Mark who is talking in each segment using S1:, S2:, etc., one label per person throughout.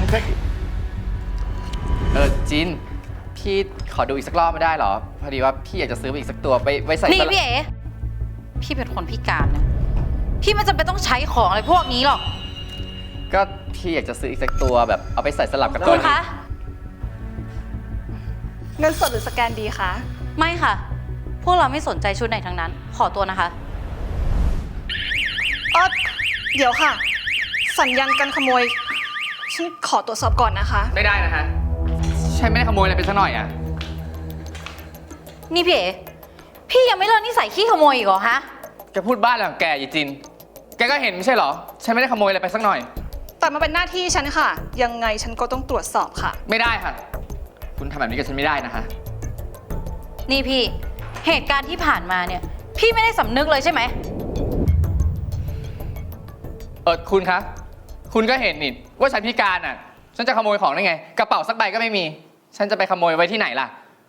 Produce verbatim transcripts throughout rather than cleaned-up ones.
S1: เออจินพี่ขอดูอีกสักรอบไม่ได้เหรอพอดีว่าพี่อยากจะซื้ออีกสักตัวไปไว้ใส่
S2: นี่พี่เอ๋พี่เป็นคนพิการนะพี่ไม่จำเป็นต้องใช้ของอะไรพวกนี้หรอก
S1: ก็พี่อยากจะซื้ออีกสักตัวแบบเอาไปใส่สลับกับตั
S2: คุ
S1: ว
S2: ณ
S1: นี้
S2: คะ
S3: เงินสดหรือสแกนดีคะ
S2: ไม่ค่ะ พวกเราไม่สนใจชุดไหนทั้งนั้น ขอตัวนะคะ
S3: เออเดี๋ยวค่ะ สัญญาณการขโมย ฉันขอตรวจสอบก่อนนะคะ
S1: ไม่ได้นะฮะฉันไม่ได้ขโมยอะไรไปสักหน่อยอ่ะ
S2: นี่พี่เอ๋พี่ยังไม่เลิกนิสัยขี้ขโมยอีกเหรอฮะ
S1: แกพูดบ้าอะไรของแกยีจินแกก็เห็นไม่ใช่เหรอฉันไม่ได้ขโมยอะไรไปสักหน่อย
S3: แต่มันเป็นหน้าที่ฉันค่ะ ยังไงฉันก็ต้องตรวจสอบค่ะ
S1: ไม่ได้ค่ะ คุณทำแบบนี้กับฉันไม่ได้นะคะ
S2: นี่พี่เหตุการณ์ที่ผ่านมาเนี่ยพี่ไม่ได้สำนึกเลยใช่ไหม
S1: เออคุณคะคุณก็เห็นนี่ว่าฉันพิการอ่ะฉันจะขโมยของได้ไงกระเป๋าสักใบก็ไม่มี ฉันจะไปขโมยไว้ที่ไหนล่ะ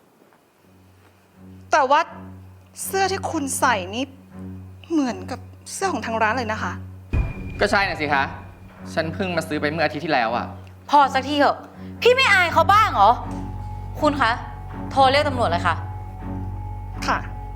S3: แต่ว่าเสื้อที่คุณใส่นี่เหมือนกับเสื้อของทางร้านเลยนะคะ
S1: ก็ใช่น่ะสิคะฉันเพิ่งมาซื้อไปเมื่ออาทิตย์ที่แล้วอ่ะ
S2: พอสักทีเถอะพี่ไม่อายเขาบ้างเหรอคุณคะโทรเรียกตำรวจเลยค่ะ
S3: ค่ะ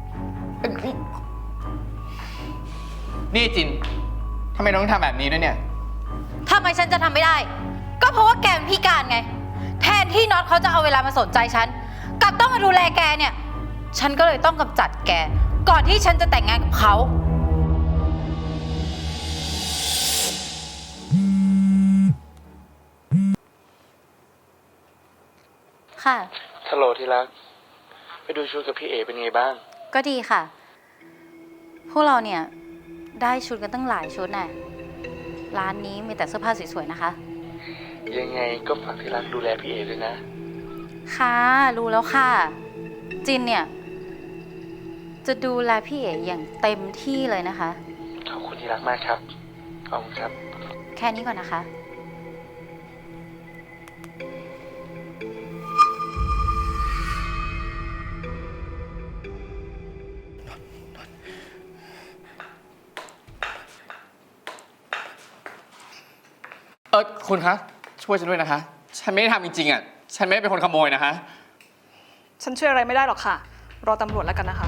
S1: นี่จินทำไมน้องทำแบบนี้ด้วยเนี่ย
S2: ทำไมฉันจะทำไม่ได้ ก็เพราะว่าแกเป็นพิการไง แทนที่น็อตเขาจะเอาเวลามาสนใจฉันกลับต้องมาดูแลแกเนี่ย ฉันก็เลยต้องกำจัดแก ก่อนที่ฉันจะแต่งงานกับเขาค่ะ
S4: ฮัลโหลที่รัก ไปดูชุดกับพี่เอเป็นไงบ้าง
S2: ก็ดีค่ะ พวกเราเนี่ยได้ชุดกันตั้งหลายชุดน่ะร้านนี้มีแต่เสื้อผ้าสวยๆนะคะ
S4: ยังไงก็ฝากที่รักดูแลพี่เอด้วยนะ
S2: ค่ะรู้แล้วค่ะ จินเนี่ยจะดูแลพี่เอ๋อย่างเต็มที่เลยนะคะ
S4: ขอบคุณที่รักมากครับ ขอบคุณครับ
S2: แค่นี้ก่อนนะคะ
S1: เออคุณคะช่วยฉันด้วยนะคะ ฉันไม่ได้ทำจริงๆอ่ะฉันไม่ได้เป็นคนขโมยนะคะ
S3: ฉันช่วยอะไรไม่ได้หรอกค่ะ รอตำรวจแล้วกันนะคะ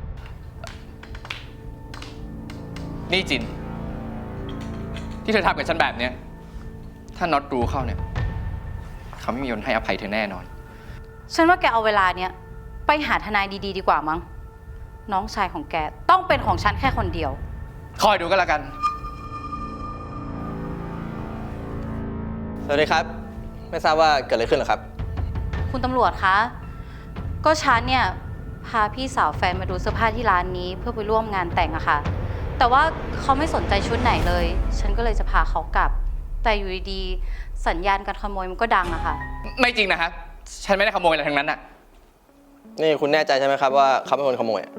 S1: นี่จิน ที่เธอทำกับฉันแบบเนี้ยถ้าน็อตรู้เข้าเนี่ยเขาไม่มีวันให้อภัยเธอแน่นอน
S2: ฉันว่าแกเอาเวลาเนี่ยไปหาทนายดีๆดีกว่ามั้ง น้องชายของแกต้องเป็นของฉันแค่คนเดียว
S1: คอยดูก็แล้วกัน
S5: สวัสดีครับ ไม่ทราบว่าเกิดอะไรขึ้นเหรอครับ
S2: คุณตำรวจคะ ก็ฉันเนี่ยพาพี่สาวแฟนมาดูเสื้อผ้าที่ร้านนี้เพื่อไปร่วมงานแต่งอะค่ะ แต่ว่าเขาไม่สนใจชุดไหนเลย ฉันก็เลยจะพาเขากลับ แต่อยู่ดีๆสัญญาณการขโมยมันก็ดังอะค่ะ
S1: ไม่จริงนะคะฉันไม่ได้ขโมยอะไรทั้งนั้นอ่ะ
S5: นี่คุณแน่ใจใช่ไหมครับว่าเขาเป็นคนขโมย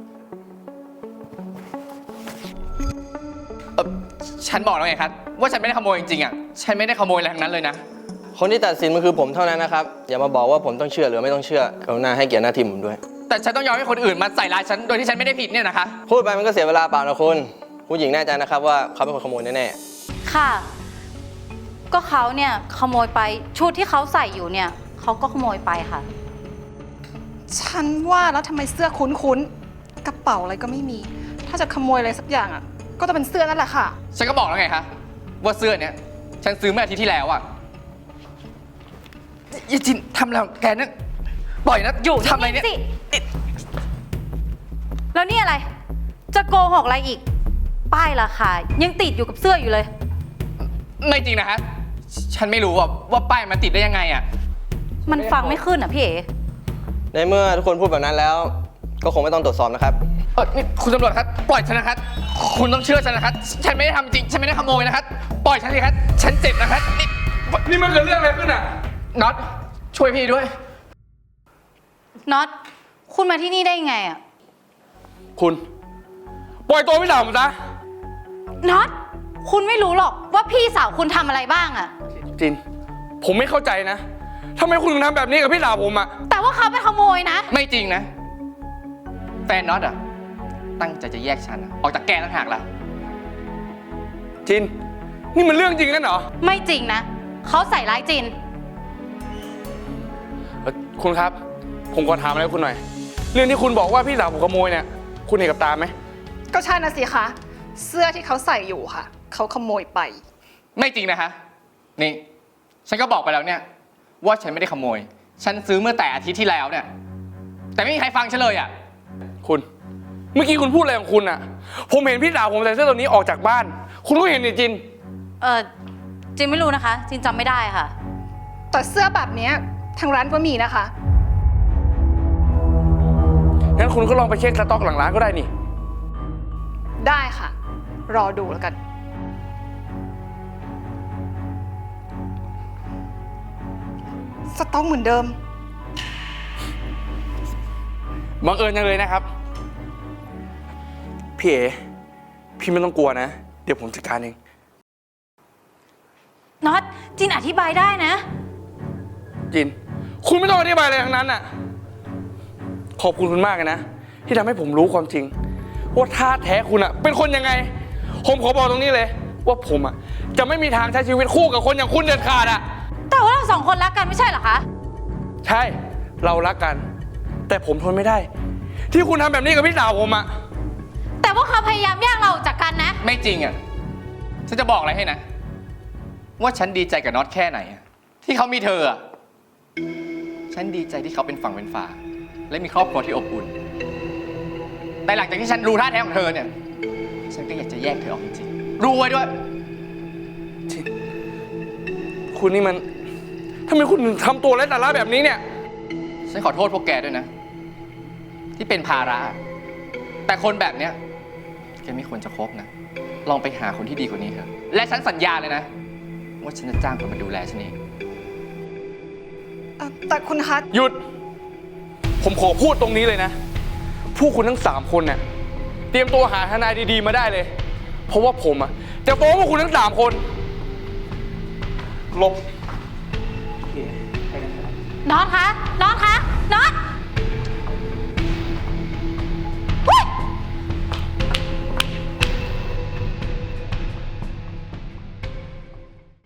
S1: เอ่อฉันบอกแล้วไงครับว่าฉันไม่ได้ขโมยจริงๆอ่ะฉันไม่ได้ขโมยอะไรทั้งนั้นเลยนะ
S5: คนที่ตัดสินมันคือผมเท่านั้นนะครับ อย่ามาบอกว่าผมต้องเชื่อหรือไม่ต้องเชื่อกรุณาให้เกียรติหน้าที่ผมด้วย
S1: แต่ฉันต้องยอมให้คนอื่นมาใส่ร้ายฉันโดยที่ฉันไม่ได้ผิดเนี่ยนะคะ
S5: พูดไปมันก็เสียเวลาเปล่านะคุณผู้หญิงแน่ใจนะครับว่าเขาเป็นคนขโมยแน่
S2: ค่ะ ก็เขาเนี่ยขโมยไปชุดที่เขาใส่อยู่เนี่ยเขาก็ขโมยไปค่ะ
S3: ฉันว่าแล้วทำไมเสื้อคุ้นๆ กระเป๋าอะไรก็ไม่มี ถ้าจะขโมยอะไรสักอย่างอ่ะ ก็จะเป็นเสื้อนั่นแหละค่ะ
S1: ฉันก็บอกแล้วไงคะว่าเสื้อเนี้ยฉันซื้อเมื่ออาทิตย์ที่แล้วอ่ะยายจินทำอะไรของแกนั่นปล่อยนะอยู่ทำอะไรเนี่ย
S2: สิแล้วนี่อะไร จะโกหกอะไรอีก ป้ายราคายังติดอยู่กับเสื้ออยู่เลย
S1: ไม่จริงนะคะฉันไม่รู้ว่าว่าป้ายมันติดได้ยังไงอ่ะ
S2: มันฟังไม่ขึ้นอ่ะพี่เอ๋
S5: ๆในเมื่อทุกคนพูดแบบนั้นแล้ว ก็คงไม่ต้องตรวจสอบนะครับ
S1: เออนี่คุณตำรวจครับปล่อยฉันนะครับคุณต้องเชื่อฉันนะครับฉันไม่ได้ทำจริงฉันไม่ได้ขโมยนะครับปล่อยฉันสิครับฉันเจ็บนะครับนี่
S4: นี่มันเกิดเรื่องอะไรขึ้นอ่ะ
S1: น็อตช่วยพี่ด้วย
S2: น็อตคุณมาที่นี่ได้ยังไงอ่ะ
S4: คุณ ปล่อยตัวพี่สาวผมซะ
S2: น็อตคุณไม่รู้หรอกว่าพี่สาวคุณทำอะไรบ้างอ่ะ
S4: จิน ผมไม่เข้าใจนะทำไมคุณถึงทำแบบนี้กับพี่สาวผมอ่ะ
S2: แต่ว่าเขาไปขโมยนะ
S1: ไม่จริงนะแฟนน็อตอ่ะตั้งใจจะแยกฉันอะออกจากแกต่างหากล่ะ
S4: จิน นี่มันเรื่องจริงกันเหรอ
S2: ไม่จริงนะเขาใส่ร้ายจิน
S4: เอ่อคุณครับ ผมขอถามอะไรคุณหน่อย เรื่องที่คุณบอกว่าพี่สาวผมขโมยเนี่ย คุณเห็นกับตาไหม
S3: ก็ใช่นะสิคะ เสื้อที่เขาใส่อยู่ค่ะ เขาขโมยไป
S1: ไม่จริงนะคะ นี่ ฉันก็บอกไปแล้วเนี่ย ว่าฉันไม่ได้ขโมย ฉันซื้อเมื่อแต่อาทิตย์ที่แล้วเนี่ย แต่ไม่มีใครฟังฉันเลยอ่ะ
S4: คุณ เมื่อกี้คุณพูดอะไรของคุณอะผมเห็นพี่สาวผมใส่เสื้อตัวนี้ออกจากบ้าน คุณก็เห็นนี่จิน
S2: เออจินไม่รู้นะคะ จินจำไม่ได้ค่ะ
S3: แต่เสื้อแบบเนี้ยทางร้านก็มีนะคะ
S4: งั้นคุณก็ลองไปเช็คสต็อกหลังร้านก็ได้นี่
S3: ได้ค่ะ รอดูแล้วกัน สต็อกเหมือนเดิม
S4: บังเอิญจังเลยนะครับ พี่เอ๋พี่ไม่ต้องกลัวนะ เดี๋ยวผมจัดการเอง
S2: น็อต จินอธิบายได้นะ
S4: จิน คุณไม่ต้องอธิบายอะไรทั้งนั้นน่ะ ขอบคุณคุณมากเลยนะ ที่ทำให้ผมรู้ความจริง ว่าท่าแท้คุณอะเป็นคนยังไง ผมขอบอกตรงนี้เลย ว่าผมอะจะไม่มีทางใช้ชีวิตคู่กับคนอย่างคุณเด็ดขาดอะ
S2: แต่ว่าเราสองคนรักกันไม่ใช่เหรอคะ
S4: ใช่ เรารักกัน แต่ผมทนไม่ได้ ที่คุณทำแบบนี้กับพี่สาวผมอะ
S2: แต่ว่าเขาพยายามแยกเราออกจากกันนะ
S1: ไม่จริงอ่ะ ฉันจะบอกอะไรให้นะ ว่าฉันดีใจกับน็อตแค่ไหนอะที่เขามีเธออ่ะ ฉันดีใจที่เขาเป็นฝั่งเป็นฝา และมีครอบครัวที่อบอุ่น แต่หลังจากที่ฉันรู้ท่าแท้ของเธอเนี่ย ฉันก็อยากจะแยกเธอออกจริงๆรู้ไว้ด้วย
S4: คุณนี่มันทำไมคุณถึงทำตัวไร้สาระแบบนี้เนี่ย
S1: ฉันขอโทษพวกแกด้วยนะ ที่เป็นภาระ แต่คนแบบเนี้ยแกไม่ควรจะคบนะ ลองไปหาคนที่ดีกว่านี้เถอะ และฉันสัญญาเลยนะ ว่าฉันจะจ้างคนมาดูแลฉันเอง
S3: เอ่อแต่คุณคะ
S4: หยุด ผมขอพูดตรงนี้เลยนะ ผู้คุณทั้งสามคนเนี่ยเตรียมตัวหาทนายดีๆมาได้เลย เพราะว่าผมอะจะฟ้องพวกคุณทั้งสามคนหลบ
S2: น็อตคะ น็อตคะ น็อต